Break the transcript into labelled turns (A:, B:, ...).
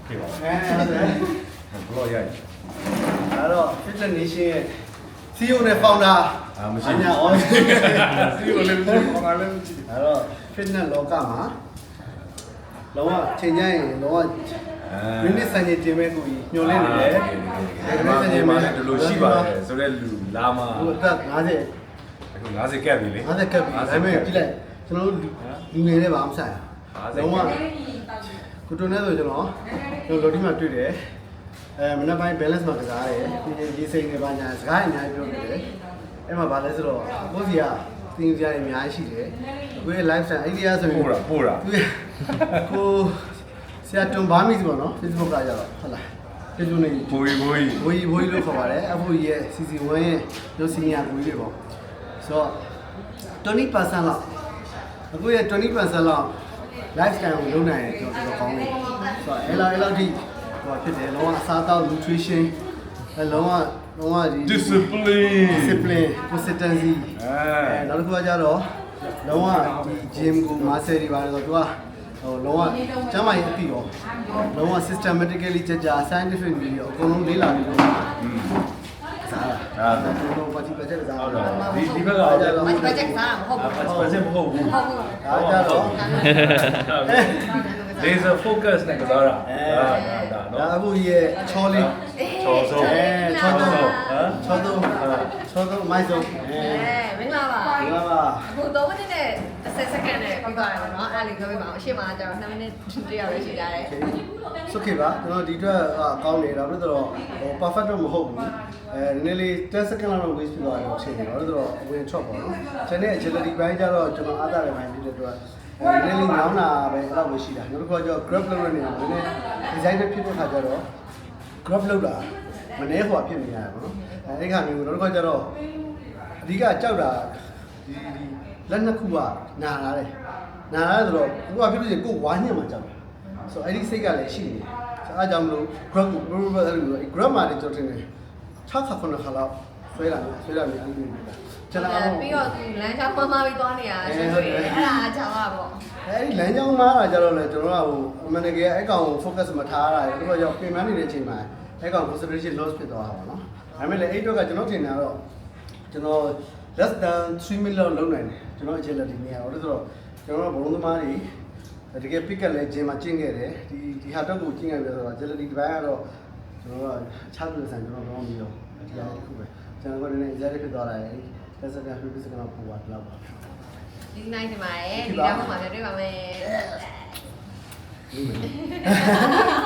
A: ဖြစ်ပါ
B: ဟုတ်တယ်
A: ဘလော့ရိုက်
B: အဲ့တော့ Fitness Nation ရဲ့ CEO နဲ့ founder
A: မရှိ
B: ညာ on
A: စီကိုလည်းမရှိဘာမှလည်းမရှိ
B: အဲ့တော့ fitness လောကမှာလောကချိန်ကြရင်လောကမိနစ်စံချိန်တင်မဲ့ကိုကြီးညှို့လင်းနေတယ်
A: ဒီမှာဒီမှာလည်းဒီလိုရှိပါတယ်ဆိုတော့လူလာမှာ
B: ဟိုအသက်50
A: အခု50ကပ်ပြီလေ
B: 50ကပ်ပြီဒါပေမဲ့ကြည့်လိုက်ကျွန်တော်တို့လူငယ်တွေပါမဆိုင်လုံးဝကိုတိုနဲ့ဆိုကျွန်တော်လော်ဒီမှာတွေ့တယ်မနက်ပိုင်း balance မှာကစားတယ်ပြီးရင်ဒီစိတ်တွေပါညာစကားအများကြီးပြောနေတယ်အဲ့မှာဗာလဲဆိုတော့ကိုစီကသင်ပြရအများကြီးရှိတယ်ကိုရဲ့ lifestyle အဲ့ဒီအဆိုရင်
A: ပို့တာ
B: ကိုဆရာတွန်ဘာမီဆိုတော့ Facebook ကကြတော့ဟုတ်လား Facebook နေ
A: ဘိုးကြီး
B: ဘိုးကြီးလို့ခေါ်ပါတယ်အဖိုးကြီးရဲ့ CC1 ရဲ့တို့ senior ကိုကြီးတွေပေါ့ဆိုတော့ 20% လောက်အခုရဲ့ 20% လောက် lifestyle ကိုလုပ်နိုင်တယ်ကျွန်တော်ကောင်းတယ်ဆိုတော့အဲ့လောက်ထိဟိုဖြစ်တယ်လုံးဝအစားအသောက် nutrition လုံးဝဒီ discipline consistency နောက်တစ်ခုကကြတော့လုံးဝဒီ gym ကို muscle တွေပါတယ်ဆိုတော့သူကဟိုလုံးဝကျန်းမာရေးအပြည့်ရောလုံးဝ systematically ကြာ scientific ပြီးတော့အကုန်လုံးလေ့လာပြီးတော့စားတာတော့ပါတီပတ်ချက်စားတော့
A: ဒီဘက်က
C: ဘတ်ဂျက်စားမဟုတ်ဘူး
A: ပတ်ချက်မဟုတ်ဘူး
C: ဟုတ်ဘူး
B: အားကြတော့
A: laser focus နဲ့ကစားတာဒါ
B: ဒါ
A: နော်
B: အခုရဲ့ချောလေး
A: ချောဆုံး
B: ချောသုံးမိုက်ဆုံး
C: မင်္ဂလာပါ
B: ဒီမှာပါ
C: အခု3မိနစ်နဲ့10စက္ကန့်နဲ့ပြီးသွားတယ်နော်အဲ့ဒါလေးပြောပြပါအောင်အရှိမကျတော့2မိနစ်တရပဲရှိကြတယ်
B: สุขีပါကျွန်တော်ဒီအတွက်ကောင်းနေတာပြီးတော့ဟို perfect တော့မဟုတ်ဘူးနည်းနည်းလေး10 second လောက် waste ဖြစ်သွားတယ်လို့ရှင်းနေတော့တော့ဝင် chop ပေါ့နော်ကျန်တဲ့ agility ဘိုင်းကျတော့ကျွန်တော်အားသာတဲ့ဘိုင်းဖြစ်တဲ့အတွက်နည်းနည်းလေးညောင်းတာပဲအဲ့လောက်ပဲရှိတာနောက်တစ်ခါကျတော့ grab လုပ်ရနေတာနည်းနည်း design ဖြစ်တဲ့ခါကျတော့ grab လုပ်တာမနှဲဟိုဖြစ်နေရတယ်ပေါ့နော်အဲ့ခါမျိုးနောက်တစ်ခါကျတော့အဓိကကြောက်တာဒီလက်နှစ်ခုကနာလာတယ်နာလာဆိုတော့ကိုကဖြစ်လို့ရှိရင်ကိုဝါညံ့မှကြောက်တယ်ဆိုအဲ့ဒီစိတ်ကလည်းရှိနေတယ်အားကြောင့်မလို့ grab ကို grab မှာလည်းကျွန်တော်ထင်တယ်6ခါ9ခါလောက်ဆွဲလာတယ်အဲ့လိုမျိုးကျွန်တော်
C: ပြီးတော့သူလမ်းကြောင်းမမပြီးသွားနေတာဆိုတော့အဲ့ဒါအချောင်းပါပေါ့
B: အဲ့ဒီလမ်းကြောင်းမှာကြတော့လေကျွန်တော်ကဟိုအမှန်တကယ်အဲ့ကောင်ကို focus မထားရတာလေတို့ကရောက်ပြင်ပန်းနေတဲ့အချိန်မှာအဲ့ကောင် concentration loss ဖြစ်သွားတာပေါ့နော်ဒါပေမဲ့လည်းအဲ့တော့ကကျွန်တော်ထင်တာတော့ကျွန်တော် less than 3 minute လောက်လုပ်နိုင်တယ်ကျွန်တော် agility နေရာတော့ဆိုတော့ကျွန်တော်ကဘုံသမားတွေတကယ် pick up လဲဂျင်မှာကျင့်ခဲ့တယ်ဒီဟာတော့ကိုကျင့်ခဲ့ပြီဆိုတော့ agility ဒီဘက်ကတော့ကျွန်တော်ကအခြားပြည်ဆိုင်ကျွန်တော်တော့မပြီးတော့ဒီဟာတစ်ခုပဲကျွန်တော်ကလည်း exercise ဖြစ်သွားတာလေတက်စကန်ပြပြစကန်ပို့သွားတော့ပါ
C: ဒီနိုင်ဒီမှာရဲ့ဒီတော့မှပြန်တွေ့ပါမယ်